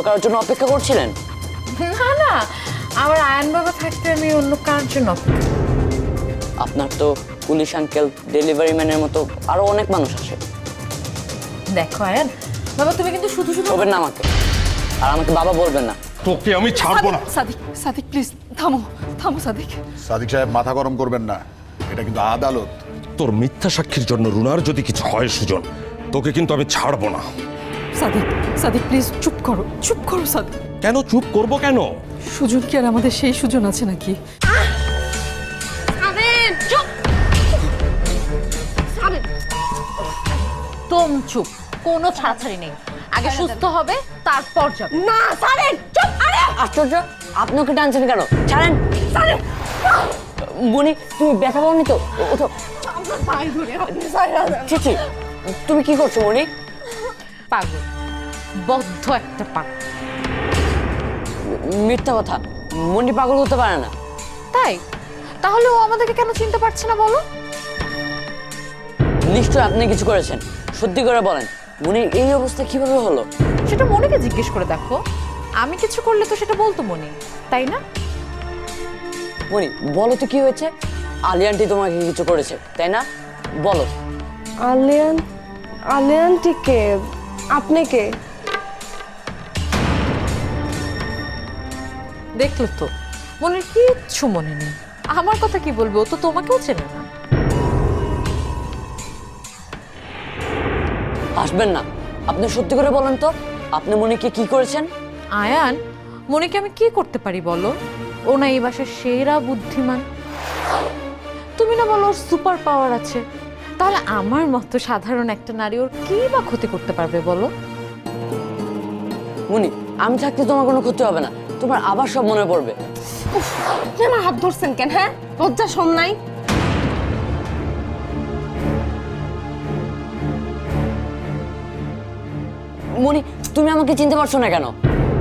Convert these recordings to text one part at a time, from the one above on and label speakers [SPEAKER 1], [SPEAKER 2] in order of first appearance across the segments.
[SPEAKER 1] কারোর জন্য অপেক্ষা করছিলেন?
[SPEAKER 2] না না, আমার আয়ন বাবা থাকতে আমি অন্য কারোর জন্য অপেক্ষা।
[SPEAKER 1] আপনার তো পুলিশ আঙ্কেল, ডেলিভারি ম্যানের মতো আরো অনেক মানুষ আছে।
[SPEAKER 2] দেখো আয়ন বাবা, তুমি কিন্তু শুধু শুধু
[SPEAKER 1] বলবেন না আমাকে, আর আমাকে বাবা বলবেন না।
[SPEAKER 3] তোকে আমি ছাড়বো না।
[SPEAKER 4] সাদিক, সাদিক প্লিজ থামো, থামো সাদিক।
[SPEAKER 5] সাদিক সাহেব মাথা গরম করবেন না, এটা কিন্তু আদালত।
[SPEAKER 3] তোর মিথ্যা সাক্ষীর জন্য রুনার যদি কিছু হয় সুজন, তোকে কিন্তু আমি ছাড়বো না।
[SPEAKER 4] সাদিক, সাদিক প্লিজ চুপ করো, চুপ করো সাদিক।
[SPEAKER 3] কেন চুপ করবো কেন?
[SPEAKER 4] সুজন কি আর আমাদের সেই সুজন আছে নাকি?
[SPEAKER 2] তোম চুপ, কোনো ছাড়াছাড়ি নেই। আগে সুস্থ হবে তারপর যাবে।
[SPEAKER 6] না ছাড়েন, চুপ। আরে
[SPEAKER 1] আশ্চর্য, আপনি ওকে টানছেন কেন? ছাড়েন। মনি, তুমি ব্যথা পাওনি তো? ওঠো।
[SPEAKER 6] আপনার পায়ে ধরে আপনি ছাড়েন।
[SPEAKER 1] চিচি, তুমি কি করছো মনি?
[SPEAKER 2] পাগল, বদ্ধ একটা পাগল।
[SPEAKER 1] মিথ্যা কথা, মনি পাগল হতে পারে না।
[SPEAKER 2] তাই? তাহলে ও আমাদেরকে কেন চিনতে পারছে না বলো?
[SPEAKER 1] নিশ্চয় আপনি কিছু করেছেন, সত্যি করে বলেন। মনির এই অবস্থা কিভাবে হলো?
[SPEAKER 2] সেটা মনিকে জিজ্ঞেস করে দেখো। আমি কিছু করলে তো সেটা বলতো মনি, তাই না?
[SPEAKER 1] মনি বলো তো কি হয়েছে? আলী আন্টি তোমাকে কিছু করেছে তাই না? বলো।
[SPEAKER 6] আলিয়ান, আলিয়ানটি কে? আপনি কে?
[SPEAKER 2] দেখলো তো, মনির কিচ্ছু মনে নেই। আমার কথা কি বলবে, ও তো তোমাকেও চেনে না।
[SPEAKER 1] আসবেন না, আপনি সত্যি করে বলেন তো, আপনি মনিকে কি করেছেন?
[SPEAKER 2] আয়ান, মনিকে আমি কি করতে পারি বলো? ও না এই বাসার সেরা বুদ্ধিমান। তুমি না বলো ওর সুপার পাওয়ার আছে, তাহলে আমার মতো সাধারণ একটা নারী ওর কি বা ক্ষতি করতে পারবে বলো?
[SPEAKER 1] মনি, আমি থাকতে তোমার কোনো ক্ষতি হবে না, তোমার আবার সব মনে পড়বে।
[SPEAKER 6] আপনি আমার হাত ধরছেন কেন? হ্যাঁ, লজ্জা শোন নাই?
[SPEAKER 1] মনি, তুমি আমাকে চিনতে পারছো না কেন?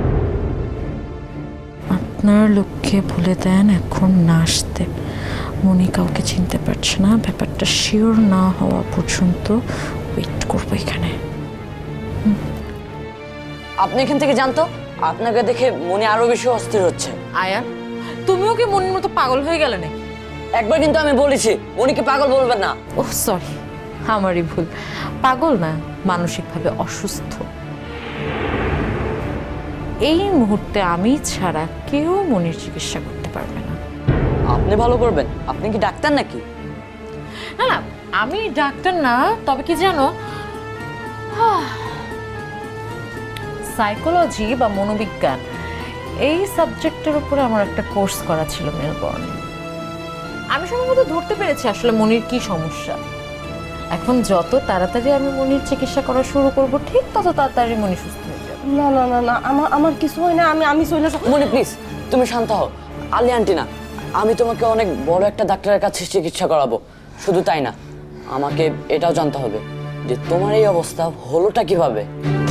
[SPEAKER 2] আপনার লক্ষ্যে বলে দেন এখন না আসতে। মনি কাউকে চিনতে পারছে না, ব্যাপারটা শিওর না হওয়া পর্যন্ত ওয়েট করবো এখানে।
[SPEAKER 1] আপনি এখান থেকে জানতো, আপনাকে দেখে মনি আরো বেশি অস্থির হচ্ছে।
[SPEAKER 2] আয়ান, তুমিও কি মনির মতো পাগল হয়ে গেলে নাকি?
[SPEAKER 1] একবার কিন্তু আমি বলেছি মনিকে পাগল বলবেন না।
[SPEAKER 2] ওহ সরি, আমারই ভুল। পাগল না, মানসিকভাবে অসুস্থ। এই মুহূর্তে আমি ছাড়া কেউ মনির চিকিৎসা করতে পারবে না।
[SPEAKER 1] আপনি ভালো করবেন? আপনি কি ডাক্তার নাকি?
[SPEAKER 2] না না, আমি ডাক্তার না, তবে কি জানো, সাইকোলজি বা মনোবিজ্ঞান এই সাবজেক্টের উপরে আমার একটা কোর্স করা ছিল মেলবোর্নে। আমি সম্ভবত ধরতে পেরেছি আসলে মনির কি সমস্যা। এখন যত তাড়াতাড়ি আমি মনির চিকিৎসা করা শুরু করব, ঠিক তত তাড়াতাড়ি মনি সুস্থ হয়ে যাবে।
[SPEAKER 6] না না না না, আমার কিছু হয় না। আমি চলে যাব।
[SPEAKER 1] মনি প্লিজ, তুমি শান্ত হও। আলী আন্টি না, আমি তোমাকে অনেক বড় একটা ডাক্তারের কাছে চিকিৎসা করাবো। শুধু তাই না, আমাকে এটাও জানতে হবে যে তোমার এই অবস্থা হলোটা কিভাবে।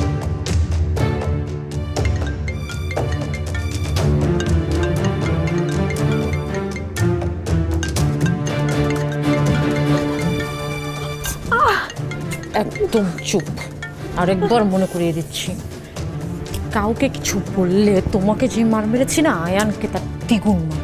[SPEAKER 2] একদম চুপ। আরেকবার মনে করিয়ে দিচ্ছি, কাউকে কিছু বললে তোমাকে যে মার মেরেছি না, আয়ানকে তার দ্বিগুণ মার।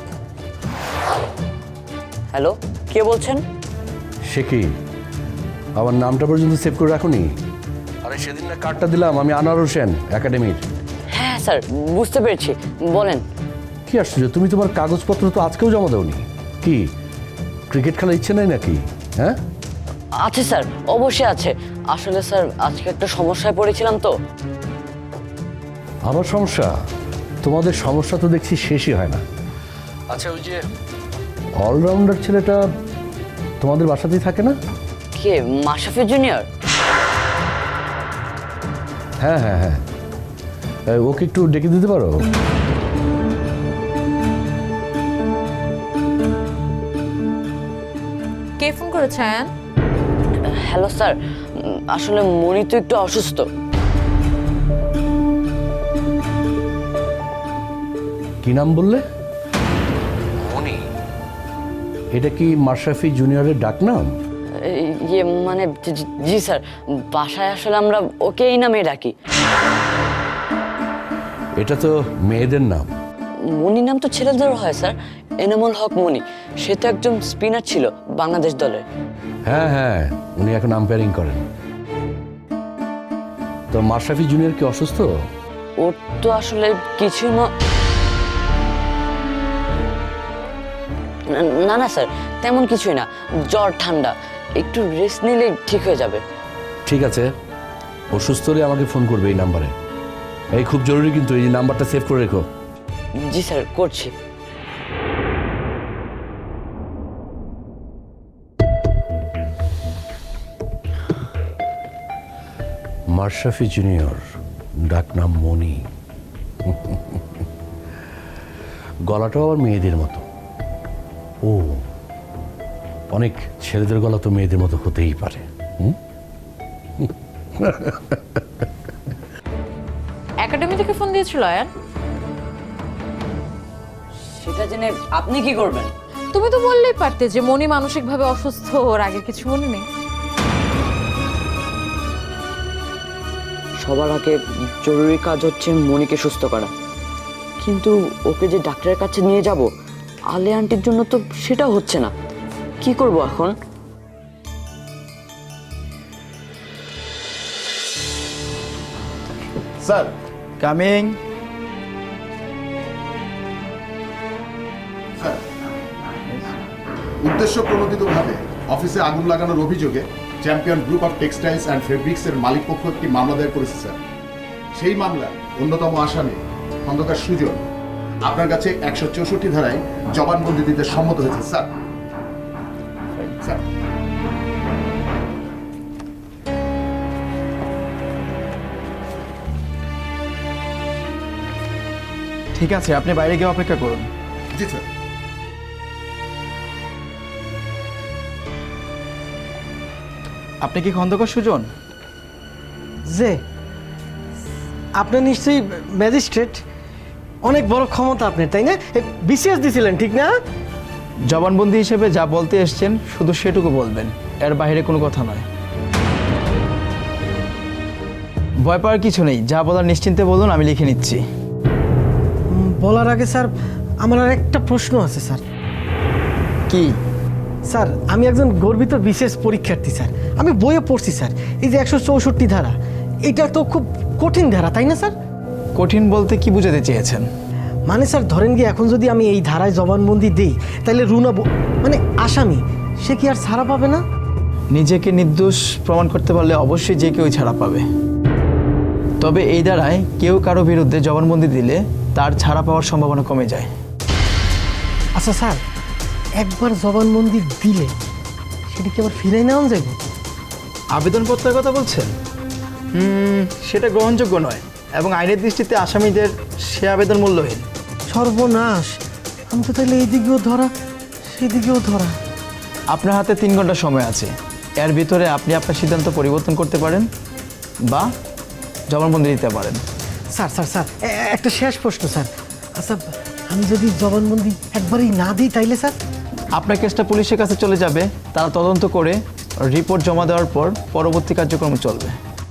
[SPEAKER 1] হ্যালো, কে বলছেন?
[SPEAKER 7] সে কি আমার নামটা পর্যন্ত সেভ করে রাখুনি? আরে সেদিন না কার্ডটা দিলাম আমি, আনোয়ার হোসেন একাডেমির।
[SPEAKER 1] হ্যাঁ স্যার, বুঝতে পেরেছি, বলেন।
[SPEAKER 7] কি আশ্চর্য, তুমি তোমার কাগজপত্র তো আজকেও জমা দাওনি। কি ক্রিকেট খেলার ইচ্ছে নাই নাকি? হ্যাঁ
[SPEAKER 1] আছে স্যার, অবশ্যই আছে। আসলে স্যার আজকে একটা সমস্যায় পড়েছিলাম তো।
[SPEAKER 7] আবার সমস্যা? তোমাদের সমস্যা তো দেখছি শেষই হয় না। আচ্ছা, ওই যে অলরাউন্ডার ছেলেটা তোমাদের বাসাতেই থাকে না?
[SPEAKER 1] কে, মাশরাফি জুনিয়র?
[SPEAKER 7] হ্যাঁ হ্যাঁ হ্যাঁ, ওকে একটু ডেকে দিতে পারো?
[SPEAKER 2] কে ফোন করেছে আয়ান?
[SPEAKER 1] হ্যালো স্যার, আসলে মনি তো একটু অসুস্থ।
[SPEAKER 7] কি নাম বললে? মনি? এটা কি মাশরাফি জুনিয়রের ডাক নাম?
[SPEAKER 1] ইয়ে মানে জি স্যার, বাসায় আসলে আমরা ওকে এই নামেই ডাকি।
[SPEAKER 7] এটা তো মেয়েদের নাম।
[SPEAKER 1] মনি নাম তো ছেলেদেরও হয় স্যার, এনামুল হক মনি। সে তো একজন স্পিনার ছিল বাংলাদেশ দলের।
[SPEAKER 7] হ্যাঁ হ্যাঁ, উনি এখন আম্পায়ারিং করেন। তো মাশরাফি জুনিয়র কি অসুস্থ?
[SPEAKER 1] ওর তো আসলে কিছুই না না স্যার, তেমন কিছুই না, জ্বর ঠান্ডা, একটু রেস্ট নিলে ঠিক হয়ে যাবে।
[SPEAKER 7] ঠিক আছে, অসুস্থ হলে আমাকে ফোন করবে এই নাম্বারে। এই খুব জরুরি কিন্তু, এই নাম্বারটা সেভ করে রেখো।
[SPEAKER 1] জি স্যার, করছি।
[SPEAKER 7] মাশরাফি জুনিয়র, ডাকনাম মনি। গলাটাও আবার মেয়েদের মতো। ও, অনেক ছেলেদের গলা তো মেয়েদের মতো হতেই পারে।
[SPEAKER 2] একাডেমি থেকে ফোন দিয়েছিল আয়ান?
[SPEAKER 1] সেটা জেনে আপনি কি করবেন?
[SPEAKER 2] তুমি তো বললেই পারতে যে মনি মানসিকভাবে অসুস্থ, ওর আগের কিছু মনে নেই।
[SPEAKER 1] সবার আগে জরুরি কাজ হচ্ছে মনিকে সুস্থ করা, কিন্তু ওকে যে ডাক্তারের কাছে নিয়ে যাব আলে আন্টির জন্য তো সেটা হচ্ছে না। কি করব এখন?
[SPEAKER 5] Sir,
[SPEAKER 8] coming.
[SPEAKER 5] উদ্দেশ্য প্রণোদিতভাবে অফিসে আগুন লাগানোর অভিযোগে champion group of textiles and fabrics এর মালিক পক্ষ একটি মামলা দায়ের করেছে স্যার। সেই মামলার অন্যতম আসামি খন্দকার সুজন আপনার কাছে 164 ধারায় জবানবন্দি দিতে সম্মত হয়েছে স্যার। স্যার,
[SPEAKER 8] ঠিক আছে, আপনি বাইরে গিয়ে অপেক্ষা করুন।
[SPEAKER 5] জি স্যার।
[SPEAKER 8] আপনি কি খন্দকার সুজন?
[SPEAKER 9] যে আপনি নিশ্চয়ই ম্যাজিস্ট্রেট, অনেক বড় ক্ষমতা আপনার, তাই না? বিসিএস দিছিলেন, ঠিক না?
[SPEAKER 8] জবানবন্দি হিসেবে যা বলতে এসছেন শুধু সেটুকু বলবেন, এর বাইরে কোনো কথা নয়। ভয় পাওয়ার কিছু নেই, যা বলার নিশ্চিন্তে বলুন, আমি লিখে নিচ্ছি।
[SPEAKER 9] বলার আগে স্যার আমার আর একটা প্রশ্ন আছে স্যার।
[SPEAKER 8] কি?
[SPEAKER 9] স্যার, আমি একজন গর্বিত বিশেষ পরীক্ষার্থী স্যার। আমি বইয়ে পড়ছি স্যার, এই যে 164 ধারা, এটা তো খুব কঠিন ধারা, তাই না স্যার?
[SPEAKER 8] কঠিন বলতে কি বুঝাতে চেয়েছেন?
[SPEAKER 9] মানে স্যার ধরেন গিয়ে এখন যদি আমি এই ধারায় জবানবন্দি দিই, তাহলে রুনা মানে আসামি, সে কি আর ছাড়া পাবে না?
[SPEAKER 8] নিজেকে নির্দোষ প্রমাণ করতে পারলে অবশ্যই যে কেউ ছাড়া পাবে। তবে এই দ্বারায় কেউ কারো বিরুদ্ধে জবানবন্দি দিলে তার ছাড়া পাওয়ার সম্ভাবনা কমে যায়।
[SPEAKER 9] আচ্ছা স্যার, একবার জবানবন্দি দিলে সেটা কি আবার ফিরে নেওয়া যাবে?
[SPEAKER 8] আবেদনপত্রের কথা বলছেন? সেটা গ্রহণযোগ্য নয় এবং আইনের দৃষ্টিতে আসামিদের সে আবেদন মূল্যহীন।
[SPEAKER 9] সর্বনাশ, আমি তো তাহলে এইদিকেও ধরা সেদিকেও ধরা।
[SPEAKER 8] আপনার হাতে 3 ঘন্টা সময় আছে, এর ভিতরে আপনি আপনার সিদ্ধান্ত পরিবর্তন করতে পারেন বা জবানবন্দি দিতে পারেন।
[SPEAKER 9] স্যার স্যার স্যার একটা শেষ প্রশ্ন স্যার। আচ্ছা, আমি যদি জবানবন্দি একবারই না দিই তাইলে স্যার?
[SPEAKER 8] আপনার কেসটা পুলিশের কাছে চলে যাবে, তারা তদন্ত করে রিপোর্ট জমা দেওয়ার পর পরবর্তী কার্যক্রম চলবে।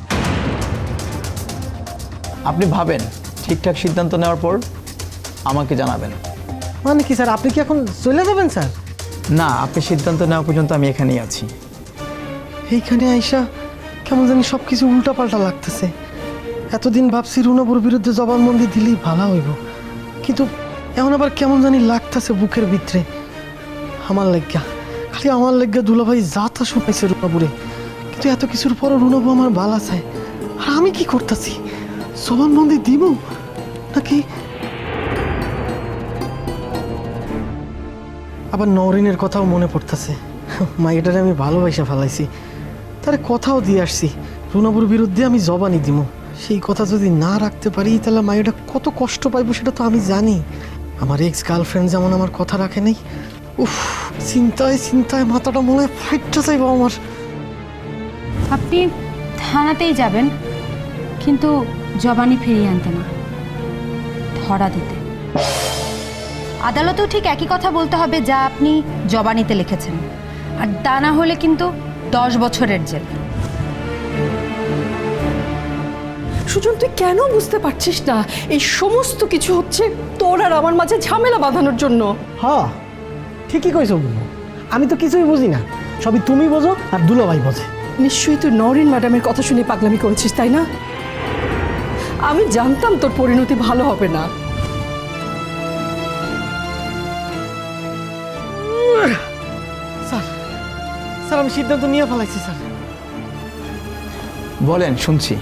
[SPEAKER 8] আপনি ভাবেন, ঠিকঠাক সিদ্ধান্ত নেওয়ার পর আমাকে জানাবেন।
[SPEAKER 9] মানে কি স্যার, আপনি কি এখন চলে যাবেন স্যার?
[SPEAKER 8] না, আপনি সিদ্ধান্ত নেওয়া পর্যন্ত আমি এখানেই আছি।
[SPEAKER 9] এইখানে আইসা কেমন জানি সব কিছু উল্টাপাল্টা লাগতেছে। এতদিন ভাবছি রুনাবুর বিরুদ্ধে জবানবন্দি দিলেই ভালো হইব, কিন্তু এখন আবার কেমন জানি লাগতেছে বুকের ভিতরে। আমার লেগা, খালি আমার লেগা দুলাভাই যাতা শুনাইছে রুনাবুরে, কিন্তু এত কিছুর পরও রুনাবু আমার ভালো চায়। আর আমি কি করতেছি? জবানবন্দি দিব নাকি আবার নওরিনের কথাও মনে পড়তেছে। মাইটারে আমি ভালোবাসা ফেলাইছি, তারে কথাও দিয়ে আসছি রুনাবুর বিরুদ্ধে আমি জবানি দিব। সেই কথা যদি না রাখতে পারি তাহলে মাইটা কত কষ্ট পাইব সেটা তো আমি জানি। আমার এক্স গার্লফ্রেন্ড যেমন আমার কথা রাখে নাই, উফ, চিন্তায় চিন্তায় মাথাটা মনে হয় ফাইটটা চাইব আমার।
[SPEAKER 10] আপনি থানাতেই যাবেন, কিন্তু জবানি ফিরিয়ে আনতে না, ধরা দিতে। আদালতেও ঠিক একই কথা বলতে হবে যা আপনি জবানিতে লিখেছেন, আর তা না হলে কিন্তু 10 বছরের জেল।
[SPEAKER 4] সুজন তুই কেন বুঝতে পারছিস না এই সমস্ত কিছু হচ্ছে তোর আর আমার মাঝে ঝামেলা বাঁধানোর জন্য?
[SPEAKER 9] হ্যাঁ ঠিকই কইছো বুবু, আমি তো কিছুই বুঝি না, সবই তুমি বোঝো আর দুলাভাই বোঝে।
[SPEAKER 4] নিশ্চয়ই তুই নরিন ম্যাডামের কথা শুনে পাগলামি করেছিস, তাই না? আমি জানতাম তোর পরিণতি ভালো হবে না।
[SPEAKER 9] স্যার স্যার আমি সিদ্ধান্ত নিয়ে ফেলাইছি স্যার।
[SPEAKER 8] বলেন, শুনছি।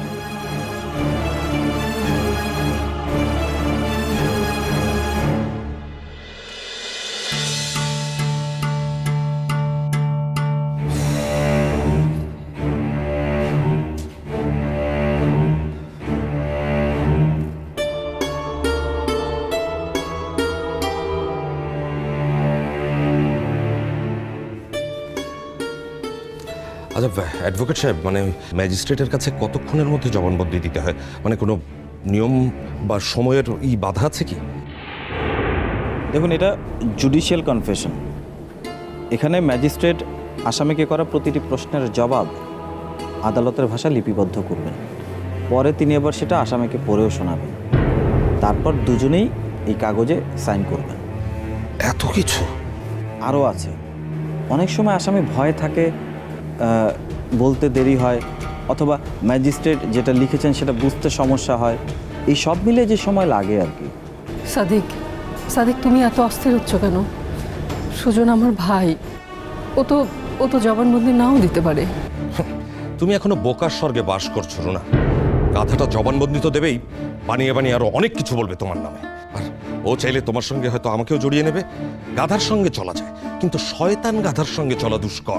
[SPEAKER 3] আচ্ছা অ্যাডভোকেট সাহেব, মানে ম্যাজিস্ট্রেটের কাছে কতক্ষণের মধ্যে জবানবন্দি দিতে হয়? মানে কোনো নিয়ম বা সময়ের বাধা আছে কি?
[SPEAKER 11] দেখুন, এটা জুডিশিয়াল কনফেশন। এখানে ম্যাজিস্ট্রেট আসামিকে করা প্রতিটি প্রশ্নের জবাব আদালতের ভাষা লিপিবদ্ধ করবেন, পরে তিনি আবার সেটা আসামিকে পড়েও শোনাবেন, তারপর দুজনেই এই কাগজে সাইন করবেন।
[SPEAKER 3] এত কিছু
[SPEAKER 11] আরও আছে। অনেক সময় আসামি ভয়ে থাকে, বলতে দেরি হয়, অথবা ম্যাজিস্ট্রেট যেটা লিখেছেন সেটা বুঝতে সমস্যা হয়। এই সব মিলে যে সময় লাগে আর কি।
[SPEAKER 4] সাদিক, সাদিক তুমি এত অস্থির হচ্ছ কেন? সুজন আমার ভাই, ও তো জবানবন্দি নাও দিতে পারে।
[SPEAKER 3] তুমি এখনো বোকার স্বর্গে বাস করছো না। গাধাটা জবানবন্দি তো দেবেই, বানিয়ে বানিয়ে আরো অনেক কিছু বলবে তোমার নামে। আর ও চাইলে তোমার সঙ্গে হয়তো আমাকেও জড়িয়ে নেবে। গাধার সঙ্গে চলা যায়, কিন্তু শয়তান গাধার সঙ্গে চলা দুষ্কর।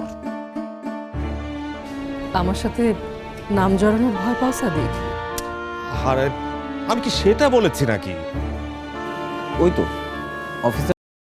[SPEAKER 4] আমার সাথে নাম জড়ানোর ভয় পাও সাদিক?
[SPEAKER 3] আরে আমি কি সেটা বলেছি নাকি?
[SPEAKER 11] ওই তো অফিসার